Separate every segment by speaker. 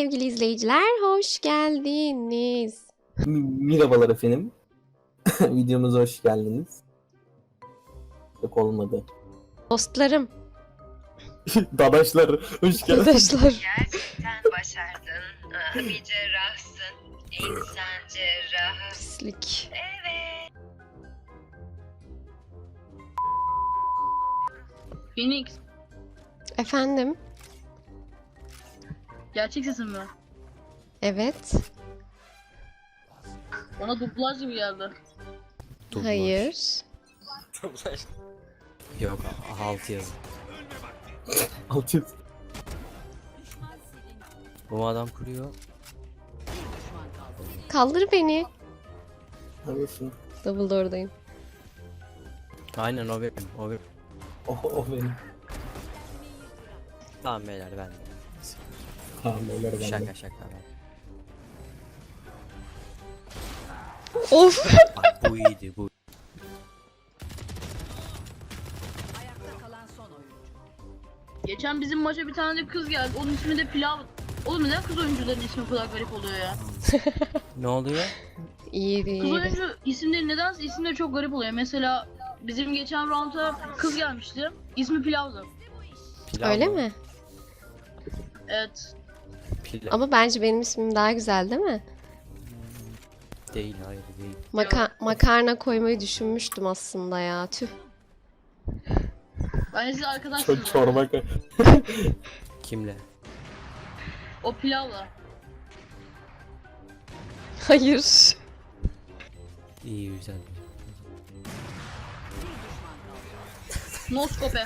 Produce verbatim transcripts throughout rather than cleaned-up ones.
Speaker 1: sevgili izleyiciler, hoş geldiniz.
Speaker 2: Merhabalar efendim. Videomuza hoş geldiniz. Yok olmadı.
Speaker 1: Dostlarım,
Speaker 2: Dadaşlar hoş geldiniz.
Speaker 1: arkadaşlar.
Speaker 3: Gerçekten başardın. Aa, Bir cerrahsın. İnsan cerrahı.
Speaker 1: Pislik.
Speaker 3: Evet.
Speaker 4: Phoenix,
Speaker 1: Efendim?
Speaker 4: gerçek sesin mi?
Speaker 1: Evet.
Speaker 4: Bana dublaj gibi geldi.
Speaker 5: Dublaj.
Speaker 1: Hayır.
Speaker 5: Yok, alt yazı.
Speaker 2: Altı.
Speaker 5: Bu adam kuruyor.
Speaker 1: Kaldır beni.
Speaker 2: Neredesin?
Speaker 1: Dumbledore'dayım.
Speaker 5: Aynen o benim, o benim.
Speaker 2: O, o benim.
Speaker 5: Tamam beyler ben de.
Speaker 2: Tamam beyler ben
Speaker 5: Şaka
Speaker 2: de.
Speaker 5: şaka. ben.
Speaker 1: Of.
Speaker 5: Bak bu iyiydi bu.
Speaker 4: Geçen bizim maça bir tane de kız geldi. Onun ismi de Pilav. Oğlum neden kız oyuncuların ismi bu kadar garip oluyor ya?
Speaker 5: Ne oluyor?
Speaker 1: İyi
Speaker 4: Kız
Speaker 1: değil.
Speaker 4: oyuncu isimleri nedense isimleri çok garip oluyor. Mesela bizim geçen round'a kız gelmişti. İsmi Pilav'dı.
Speaker 5: Pilav
Speaker 1: Öyle
Speaker 5: mı?
Speaker 1: mi?
Speaker 4: Evet.
Speaker 5: Pilav.
Speaker 1: Ama bence benim ismim daha güzel değil mi?
Speaker 5: Değil, hayır değil.
Speaker 1: Maka makarna koymayı düşünmüştüm aslında ya. Tüh.
Speaker 4: Ben size arkadaşsınız.
Speaker 2: Çok çorba.
Speaker 5: Kimle?
Speaker 4: O Pilav'la.
Speaker 1: Hayır.
Speaker 5: İyi güzel.
Speaker 4: Noskope.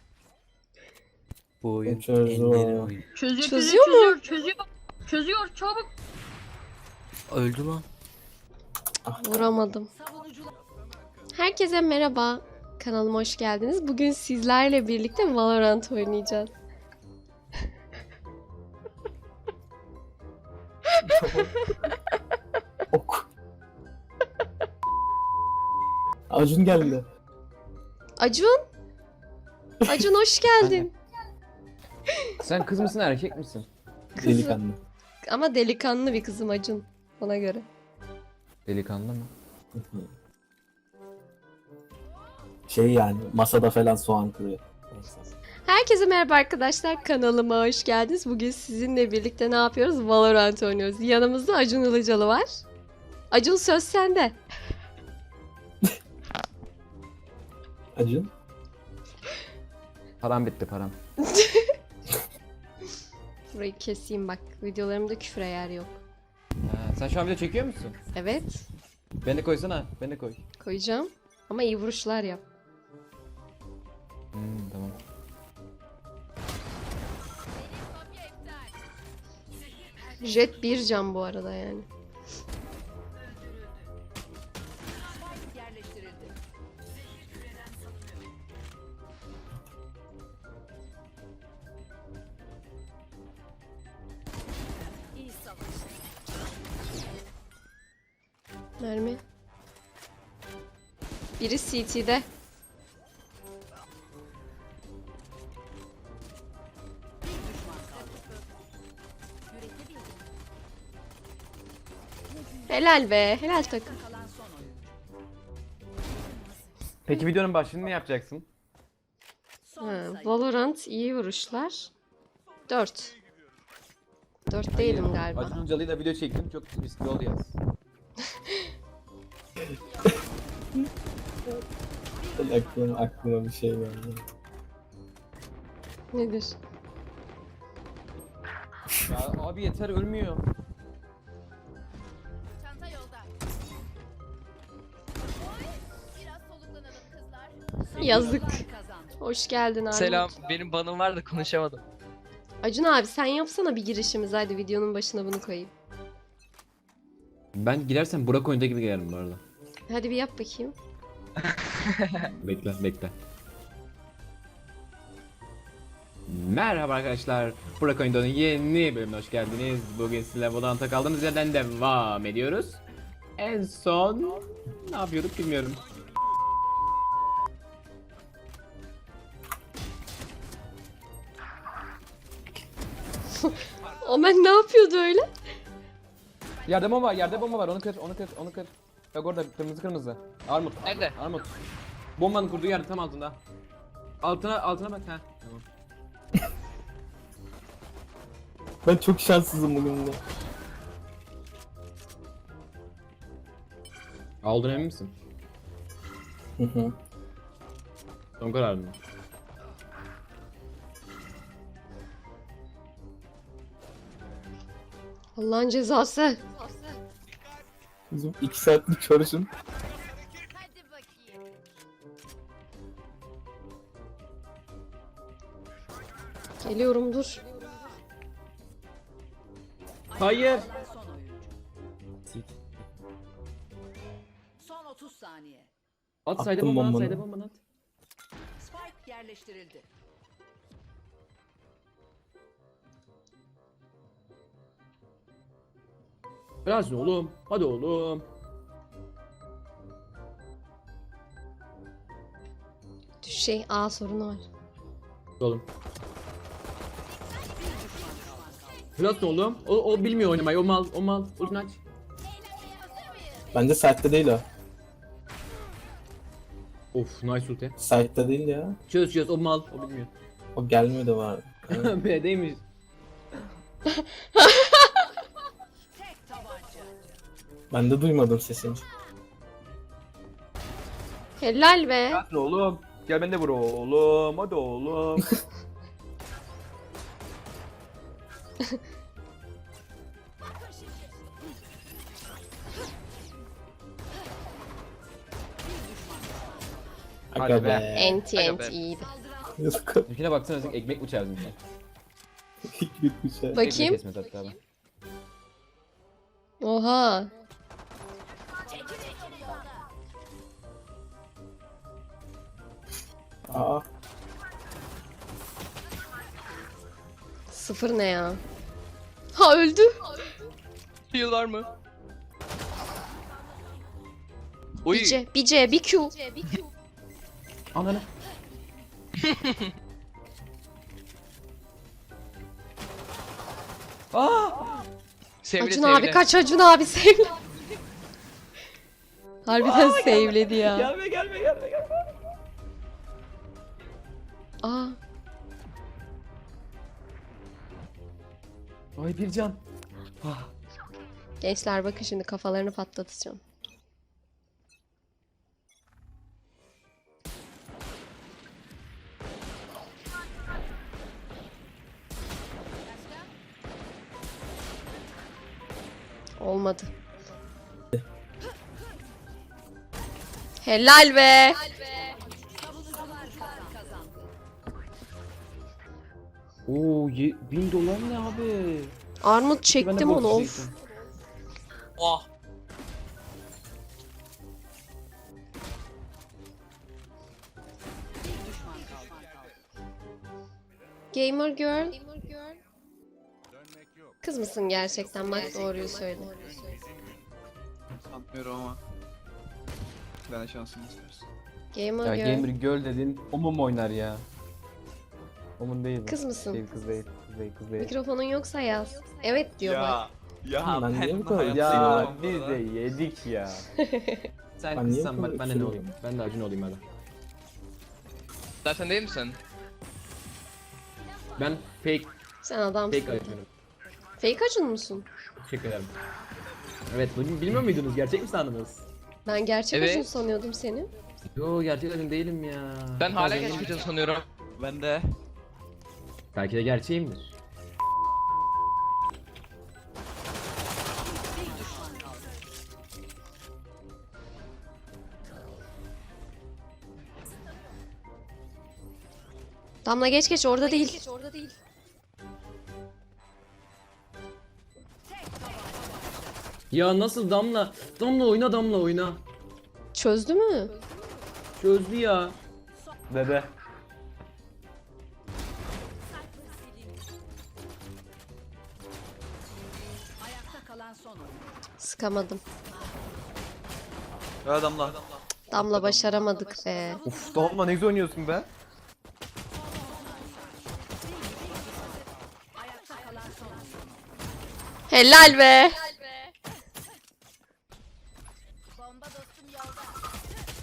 Speaker 5: Bu oyun
Speaker 2: Çözüyor.
Speaker 5: enlerin oyunu.
Speaker 4: Çözüyor,
Speaker 1: Çözüyor
Speaker 4: çözüyor, çözüyor, çözüyor. Çözüyor, çabuk.
Speaker 5: Öldü lan.
Speaker 1: Vuramadım. Herkese merhaba. Kanalıma hoş geldiniz. Bugün sizlerle birlikte Valorant oynayacağız.
Speaker 2: Ok. Acun geldi.
Speaker 1: Acun. Acun hoş geldin.
Speaker 6: Sen kız mısın erkek misin?
Speaker 1: Kızım.
Speaker 2: Delikanlı.
Speaker 1: Ama delikanlı bir kızım Acun. Ona göre.
Speaker 6: Delikanlı mı?
Speaker 2: Şey yani masada falan soğan kırıyor. Neyse.
Speaker 1: Herkese merhaba arkadaşlar. Kanalıma hoş geldiniz. Bugün sizinle birlikte ne yapıyoruz? Valorant oynuyoruz. Yanımızda Acun Ilıcalı var. Acun söz sende.
Speaker 2: Acun.
Speaker 6: Param bitti param.
Speaker 1: Burayı keseyim bak. Videolarımda küfre yer yok.
Speaker 6: Ha, sen şu an video çekiyor musun?
Speaker 1: Evet.
Speaker 6: Beni de koysana. Beni de koy.
Speaker 1: Koyacağım. Ama iyi vuruşlar yap.
Speaker 6: Hmm, tamam.
Speaker 1: Jet bir can bu arada yani. Mermi. Biri C T'de. Helal be, helal takım.
Speaker 6: Peki videonun başlığını ne yapacaksın?
Speaker 1: Ha, Valorant iyi vuruşlar. dört. dört değilim galiba.
Speaker 6: Acun Ilıcalı'yla video çektim. Çok riskli oldu yaz.
Speaker 2: Aklıma, aklıma bir şey geldi.
Speaker 1: Nedir?
Speaker 6: Ya abi yeter ölmüyor.
Speaker 7: Çanta yolda. Oy, biraz soluklanalım kızlar.
Speaker 1: Yazık. Hoş geldin abi.
Speaker 8: Selam, benim banım var da konuşamadım.
Speaker 1: Acun abi sen yapsana bir girişimiz. Hadi videonun başına bunu koyayım.
Speaker 6: Ben girersem Burak oyunda gibi girerim bu arada.
Speaker 1: Hadi bir yap bakayım.
Speaker 6: Bekle bekle. Merhaba arkadaşlar. Burak Oyundo'nun yeni bölümüne hoş geldiniz. Bugün sizinle Valorant'a kaldığımız yerden devam ediyoruz. En son ne yapıyorduk bilmiyorum.
Speaker 1: Omen ne yapıyordu öyle?
Speaker 6: Yerde bomba var, yerde bomba var. Onu kır, onu kır, onu kır. Bak orada kırmızı kırmızı. Armut.
Speaker 8: Nerede?
Speaker 6: Armut. Bombanın kurduğu yerde tam altında. Altına, altına bak ha. Tamam.
Speaker 2: Ben çok şanssızım bugün de.
Speaker 6: Aldın emin misin?
Speaker 2: Hı hı.
Speaker 6: Son kararın mı?
Speaker 1: Allah'ın cezası.
Speaker 2: Bizim iki saatlik çalışın.
Speaker 7: Hadi bakayım.
Speaker 1: Geliyorum dur.
Speaker 6: Hayır.
Speaker 9: Son oyuncu. Son otuz saniye.
Speaker 6: At
Speaker 2: Attım
Speaker 6: sayda bombanı, at
Speaker 2: bombanı.
Speaker 6: sayda bombanı at.
Speaker 9: Spike yerleştirildi.
Speaker 6: Biraz oğlum. Hadi oğlum.
Speaker 1: Şey A sorunu var.
Speaker 6: Oğlum. Biraz oğlum. O, o bilmiyor oynamayı. O mal, o mal. Ultini aç.
Speaker 2: Bence site'de değil o.
Speaker 6: Of, nice ulti.
Speaker 2: Site'de değil ya.
Speaker 6: Çöz çöz, o mal. O bilmiyor.
Speaker 2: O gelmiyor da var. Evet.
Speaker 6: B'deymiş.
Speaker 9: Tek tabanca.
Speaker 2: Ben de duymadım sesini.
Speaker 1: Helal be.
Speaker 10: Hadi oğlum. Gel ben de vur oğlum. Hadi oğlum.
Speaker 2: Aga
Speaker 10: Hadi
Speaker 2: be.
Speaker 10: be.
Speaker 1: Enti
Speaker 8: Aga
Speaker 1: enti
Speaker 8: be.
Speaker 1: iyiydi.
Speaker 2: Yazık.
Speaker 6: Ülkene baksana sen ekmek mi çağırdın sen?
Speaker 2: Gitmiş ha.
Speaker 6: Ekmek
Speaker 1: Bakayım.
Speaker 6: kesmez hatta ben.
Speaker 1: Oha.
Speaker 2: Aa.
Speaker 1: Sıfır ne ya? Ha öldü.
Speaker 8: Heal var mı? Oy.
Speaker 1: Bir C, bir C, bir Q.
Speaker 6: Ananı.
Speaker 8: Sevle
Speaker 1: Acun
Speaker 8: sevle.
Speaker 1: abi kaç, Acun abi sevle. Harbiden sevledi ya.
Speaker 6: Gelme gelme gelme gelme.
Speaker 1: Aa,
Speaker 6: Ay bir can.
Speaker 1: gençler bakın şimdi kafalarını patlatacağım. Olmadı. Helal be.
Speaker 9: Savunucular kazandı.
Speaker 6: Oo, ye- bin dolar ne abi?
Speaker 1: Armut
Speaker 6: Ben de
Speaker 1: çektim
Speaker 6: boks
Speaker 1: onu of.
Speaker 6: diyecektim.
Speaker 8: Oh.
Speaker 9: Bir düşman kaldı.
Speaker 1: Gamer girl. Kız mısın gerçekten? Bak doğruyu söyle.
Speaker 10: Sanmıyorum ama. Ben şansımı istersin.
Speaker 1: Gamer
Speaker 11: Ya
Speaker 1: girl.
Speaker 11: gamer girl dedin, Omum oynar ya. Omun değil bu.
Speaker 1: Kız mısın?
Speaker 11: Değil, kız değil, kız değil, kız değil.
Speaker 1: Mikrofonun yoksa yaz. Evet diyor bak.
Speaker 10: Ya
Speaker 2: Ben niye bu kadar
Speaker 11: Ya biz de yedik ya.
Speaker 6: Sen
Speaker 2: Ben niye
Speaker 6: kızsan
Speaker 2: bu
Speaker 6: bak
Speaker 2: kadar
Speaker 6: ben de ne
Speaker 2: üzülüyorum?
Speaker 6: olayım? Ben de Acun olayım hadi.
Speaker 8: Zaten değil misin?
Speaker 6: Ben fake,
Speaker 1: Sen adamsın.
Speaker 6: fake Acun'um.
Speaker 1: Fake Acun musun?
Speaker 6: Teşekkür ederim. Evet, bunu bilmiyor muydunuz? Gerçek mi sandınız?
Speaker 1: Ben gerçek
Speaker 8: Evet.
Speaker 1: Acun sanıyordum seni.
Speaker 6: Yo, gerçek Acun değilim ya.
Speaker 8: Ben hala
Speaker 6: Bazen-
Speaker 8: gerçek Acun sanıyorum.
Speaker 10: Ben de.
Speaker 6: Belki de gerçeğimdir.
Speaker 9: Bir düşman kaldı.
Speaker 1: Damla geç geç orada değil.
Speaker 6: Ya nasıl Damla? Damla oyna, Damla oyna.
Speaker 1: Çözdü mü?
Speaker 6: Çözdü ya.
Speaker 11: Dede.
Speaker 9: Ayakta kalan son oyuncu.
Speaker 1: Sıkamadım.
Speaker 10: Ya adamla.
Speaker 1: Damla başaramadık be.
Speaker 10: Uf Damla ne güzel oynuyorsun be.
Speaker 9: Ayakta kalan son oyuncu.
Speaker 1: Helal be.
Speaker 7: Bomba dostum yolda.